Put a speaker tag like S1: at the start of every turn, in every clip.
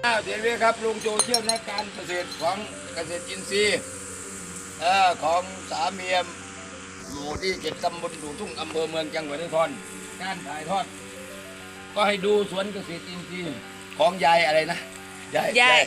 S1: เดี๋ยวนี้ครับลุงโจเชี่ยวนักการเกษตรของเกษตรอินทรีย์ของสามเมียมอยู่ที่7 ตำบลดูทุ่งอำเภอเมืองจังหวัดนครการถ่ายทอดก็ให้ดูสวนเกษตรอินทรีย์ของยายอะไรนะยาย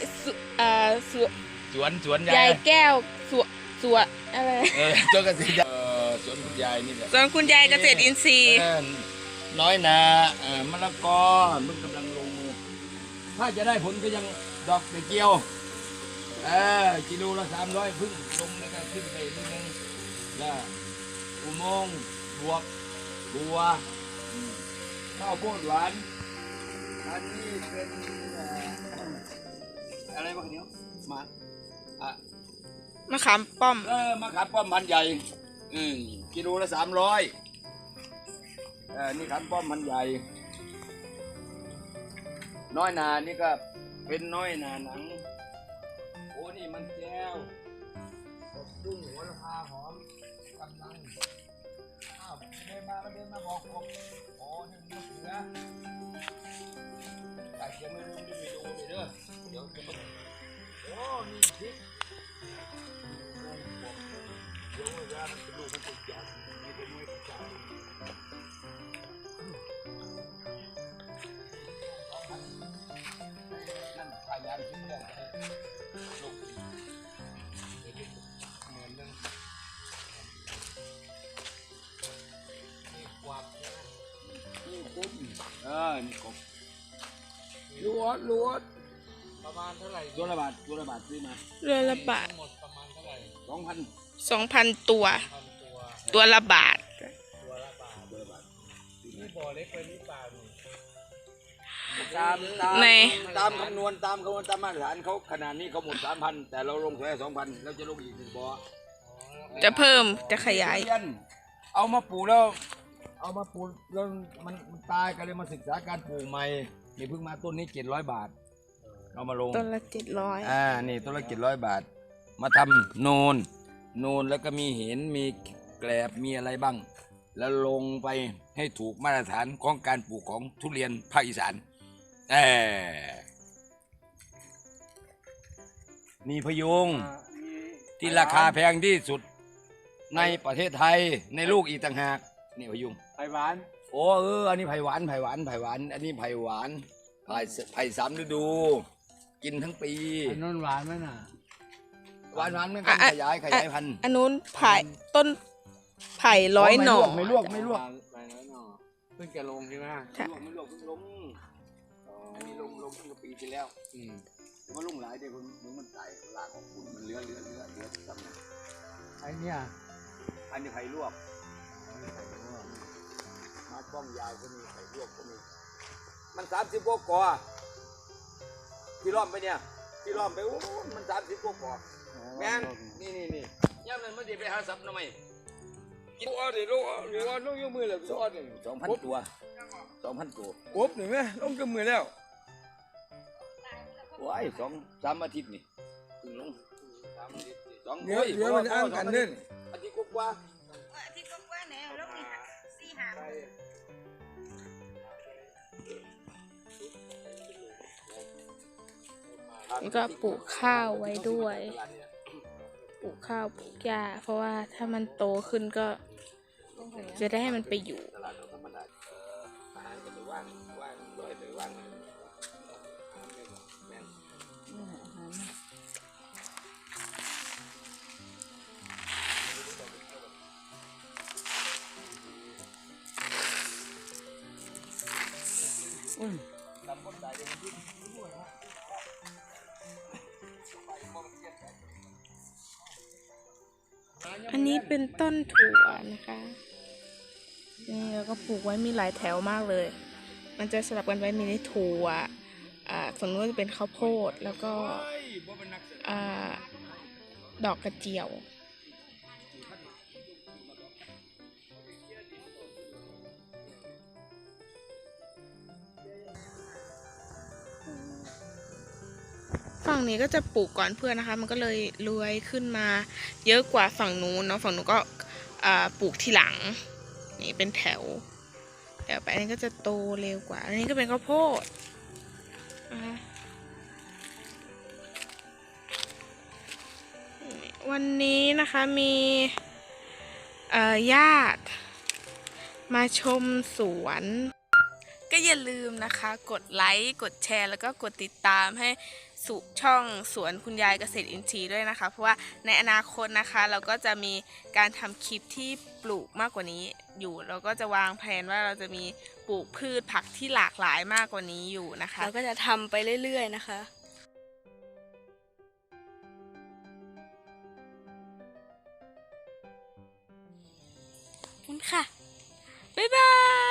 S1: สวน
S2: ยายแก้วสวนอะไร
S1: สวนเกษตรสวนคุณยายนี่แหละ
S2: สวนคุณยายเกษตรอินทรีย์
S1: น้อยนามะละกอมึงกำลังลงมือถ้าจะได้ผลก็ยังดอกเกี่ยวกิโลละ300พึ่งลงแล้วก็ขึ้นไปนิดนึงแล้วอุโมงค์บวกบัวข้าวโพดหวานอันนี้เป็นอะไรบ้างเนี้ย
S2: มะขามป้อม
S1: มะขามป้อมพันใหญ่กิโลละ300นี่ขามป้อมพันใหญ่น้อยนานี่ก็เป็นน้อยนาหนังโอ้นี่มันแก้วดุ้งหัวละพาหอมกำลังเดินมาบอกผมโอ้นี่มันเสือแต่ยังไม่รู้เลยเด้อเดี๋ยวจะโอ้นี่พริกเดี๋ยวเวลามันจะดูมันจะใหญ่ไม่เป็นไม่ใช่นั่นขายยาชิ้นเดียวลูกเหมือนนึงนี่กวาดนี่กุ้งนี่กบลวดประมาณเท่าไหร่ตัวละบาทซื้อมา
S2: เรือละบาท
S1: หมดประมาณเท่าไหร่
S2: 2,000 ตัวละบาท
S1: นี่บ่อเล็กไปนี่เปล่าตามคำนวณตามมาตรฐานเขาขนาดนี้เขาหมด 3,000 แต่เราลงแค่ 2,000 แล้วจะลงอีก1 บ่อ
S2: จะเพิ่มจะขยาย
S1: เอามาปลูกแล้วมันตายก็เลยมาศึกษาการปลูกใหม่นี่เพิ่งมาต้นนี้700 บาทเอามาลง
S2: ต้นละ700
S1: นี่ต้นละ700 บาทมาทำโนนแล้วก็มีเห็นมีแกลบมีอะไรบ้างแล้วลงไปให้ถูกมาตรฐานของการปลูกของทุเรียนภาคอีสานนี่พยุงที่ราคาแพงที่สุดในประเทศไทยในโลกอีกต่างหากนี่พยุง
S3: ไผ่หวาน
S1: อันนี้ไผ่หวานอันนี้ไผ่หวานไผ่3 ฤดูกินทั้งปี
S3: อันนั้นหวานไหมน่ะ
S1: หวานไม่กันขยายพันธุ์
S2: อันนู้นไผ่ต้นไผ่100 หน่อ
S1: ไม่ลวก
S3: ไผ่100 หน่อเพิ่งจะลงใช่ไหม
S1: ไม่ลวกเพิ่งลงอันนี้ลงเมื่อปีที่แล้วแต่ว่าลงหลายเดี๋ยวมันตายลากของคุณมันเหลือซ้ำ
S3: ไอ้เนี่ย
S1: อันนี้ไผ่ลวกมาป้องยาวก็มีไผ่ลวกก็มีมัน30 กว่าที่ล้อมไปเนี่ยที่ล้อมไปโอ้มัน30 กว่าแม่นนี่ย่ำนั้นมันจะไปหาซับทำไมกินอ้อดิลูกยกมือแล้วอ้อดิ2,000 ตัวกบหนึ่งไหมลงกับมือแล้วโอ้ย2-3 อาทิตย์นี่ถึงลง2
S3: เดี๋ยวมันอ้างกันเนี่ย
S1: อาทิตย์กว่า
S2: เนี่ยลง4-5นี่ก็ปลูกข้าวไว้ด้วยปลูกข้าวปลูกหญ้าเพราะว่าถ้ามันโตขึ้นก็จะได้ให้มันไปอยู่อันนี้เป็นต้นถั่วนะคะนี่แล้วก็ปลูกไว้มีหลายแถวมากเลยมันจะสลับกันไว้มีในถั่วฝั่งนู้นจะเป็นข้าวโพดแล้วก็ดอกกระเจียวฝั่งนี้ก็จะปลูกก่อนเพื่อนนะคะมันก็เลยเลื้อยขึ้นมาเยอะกว่าฝั่งนู้นเนาะฝั่งนู้นก็ปลูกทีหลังนี่เป็นแถวไปอันนี้ก็จะโตเร็วกว่าอันนี้ก็เป็นข้าวโพดวันนี้นะคะมีญาติมาชมสวน ก็อย่าลืมนะคะกดไลค์กดแชร์แล้วก็กดติดตามให้สุช่องสวนคุณยายเกษตรอินทรีย์ด้วยนะคะเพราะว่าในอนาคตนะคะเราก็จะมีการทำคลิปที่ปลูกมากกว่านี้อยู่เราก็จะวางแผนว่าเราจะมีปลูกพืชผักที่หลากหลายมากกว่านี้อยู่นะคะ
S4: เราก็จะทำไปเรื่อยๆนะคะขอบคุณค่ะ บ๊ายบาย